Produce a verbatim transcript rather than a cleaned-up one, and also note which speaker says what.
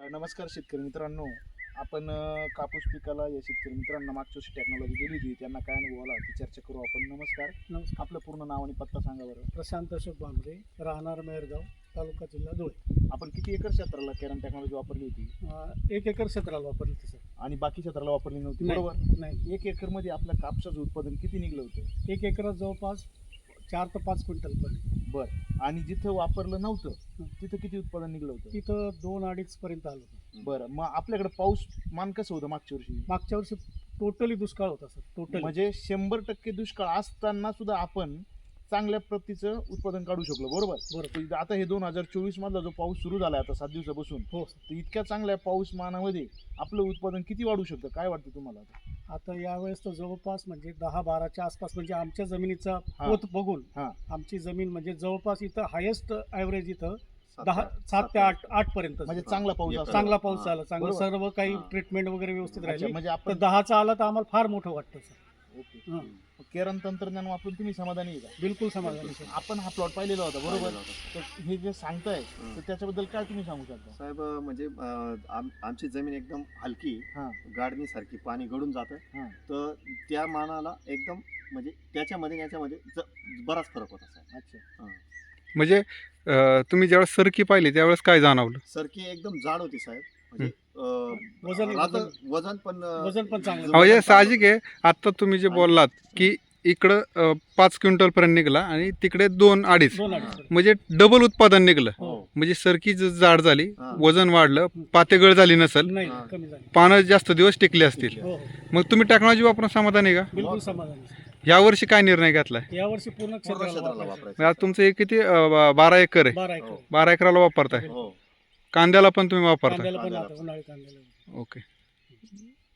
Speaker 1: नमस्कार शेतकरी मित्रांनो. आपण अ, कापूस पिकाला या शेतकरी मित्रांना मागच्या वर्षी टेक्नॉलॉजी दिली होती, त्यांना काय अनुभव आला ती चर्चा करू आपण. नमस्कार.
Speaker 2: नमस्कार.
Speaker 1: आपलं पूर्ण नाव आणि पत्ता सांगा बरं.
Speaker 2: प्रशांत अशोक भांबरे, राहणार मेहरगाव, तालुका जिल्हा धुळे.
Speaker 1: आपण किती एकर क्षेत्राला केरन टेक्नॉलॉजी वापरली होती
Speaker 2: अं, एक एकर क्षेत्राला वापरली होती सर.
Speaker 1: आणि बाकी क्षेत्राला वापरली नव्हती,
Speaker 2: नाही,
Speaker 1: बरोबर?
Speaker 2: नाही.
Speaker 1: एक एकर मध्ये आपल्या कापसाचं उत्पादन किती निघलं होतं?
Speaker 2: एक एकरात जवळपास चार ते पाच क्विंटल पडले.
Speaker 1: बरं. आणि जिथं वापरलं नव्हतं तिथं किती उत्पादन निघलं होतं?
Speaker 2: तिथं दोन अडीच पर्यंत आलं होतं.
Speaker 1: बरं. मग आपल्याकडे पाऊस मान कसं होतं मागच्या वर्षी?
Speaker 2: मागच्या वर्षी टोटली दुष्काळ होता सर. टोटली
Speaker 1: म्हणजे शंभर टक्के दुष्काळ असताना सुद्धा आपण चांगल्या प्रतीचं उत्पादन काढू शकलो, बरोबर?
Speaker 2: बरोबर.
Speaker 1: आता हे दोन हजार चोवीस मधला जो पाऊस सुरू झाला आता सात दिवसापासून,
Speaker 2: हो सर.
Speaker 1: तर इतक्या चांगल्या पाऊसमानामध्ये आपलं उत्पादन किती वाढू शकतं, काय वाटतं तुम्हाला?
Speaker 2: आता यावेळेस तर जवळपास म्हणजे दहा बाराच्या आसपास, म्हणजे आमच्या जमिनीचा
Speaker 1: हा.
Speaker 2: पोत बघून
Speaker 1: हा.
Speaker 2: आमची जमीन म्हणजे जवळपास इथं हायेस्ट ॲव्हरेज इथं दहा सात ते आठ आठ पर्यंत
Speaker 1: म्हणजे चांगला पाऊस
Speaker 3: एक-
Speaker 1: असतो.
Speaker 2: चांगला पाऊस झाला. चांगलं
Speaker 1: बरोबर.
Speaker 2: सर्व काही
Speaker 3: हा.
Speaker 2: ट्रीटमेंट वगैरे व्यवस्थित
Speaker 1: अच्छा,
Speaker 2: राहिली.
Speaker 1: म्हणजे
Speaker 2: तर
Speaker 1: आपण
Speaker 2: दहाचा आला तर आम्हाला फार मोठं वाटतं सर.
Speaker 1: ओके.
Speaker 2: हां.
Speaker 1: केरन तंत्रज्ञान वापरून तुम्ही समाधानी आहे का?
Speaker 2: बिलकुल समाधानी सर.
Speaker 1: आपण हा प्लॉट पाहिलेला होता, बरोबर?
Speaker 3: पाहिलेला होता.
Speaker 1: तर हे जे सांगताय तर त्याच्याबद्दल काय तुम्ही सांगू शकता?
Speaker 3: साहेब म्हणजे अं, आम- आमची जमीन एकदम हलकी,
Speaker 1: हा.
Speaker 3: गाडणी सारखी, पाणी गळून जातं.
Speaker 1: हा.
Speaker 3: तर त्या मानाला एकदम म्हणजे त्याच्यामध्ये आणि याच्यामध्ये ज- बराच फरक होता साहेब.
Speaker 1: अच्छा.
Speaker 3: हां.
Speaker 4: म्हणजे अ, तुम्ही ज्यावेळेस सरकी पाहिली त्यावेळेस काय जाणवलं?
Speaker 3: सरकी एकदम जाड होती साहेब. म्हणजे अं,
Speaker 2: वजन-
Speaker 3: राहतं-
Speaker 2: वजन-
Speaker 3: वजन पण अं,
Speaker 2: वजन पण चांगलं.
Speaker 3: वजन
Speaker 4: म्हणजे
Speaker 3: चांगलं
Speaker 4: साहजिक आहे. आता तुम्ही जे बोललात की इकडं अ, पाच क्विंटल पर्यंत निघला आणि तिकडे दोन अडीच,
Speaker 2: दोन अडीच.
Speaker 4: म्हणजे डबल उत्पादन निघलं.
Speaker 3: हो.
Speaker 4: म्हणजे सरकी ज- जाड झाली,
Speaker 3: हा.
Speaker 4: वजन वाढलं, पातेगळ झाली नसेल,
Speaker 2: नाही
Speaker 3: हा.
Speaker 2: कमी झाली.
Speaker 4: पानं जास्त दिवस टिकले असतील.
Speaker 2: हो हो
Speaker 4: मग तुम्ही टेक्नॉलॉजी वापरून समाधानी आहे का?
Speaker 2: बिलकुल समाधानी सर.
Speaker 4: यावर्षी काय निर्णय घेतलाय?
Speaker 2: यावर्षी पूर्ण
Speaker 3: पूर्ण
Speaker 2: क्षेत्राला
Speaker 3: क्षेत्राला
Speaker 2: वापरायचं.
Speaker 3: वापरायचं.
Speaker 4: म्हणजे आज तुमचं हे किती अ, बा- बारा एकर आहे.
Speaker 2: बारा एकर.
Speaker 3: हो.
Speaker 4: बारा एकराला वापरताय.
Speaker 3: हो.
Speaker 4: कांद्याला पण तुम्ही वापरताय?
Speaker 2: कांद्याला पण
Speaker 3: कांद्याला
Speaker 2: आता उन्हाळी कांद्याला.
Speaker 4: ओके.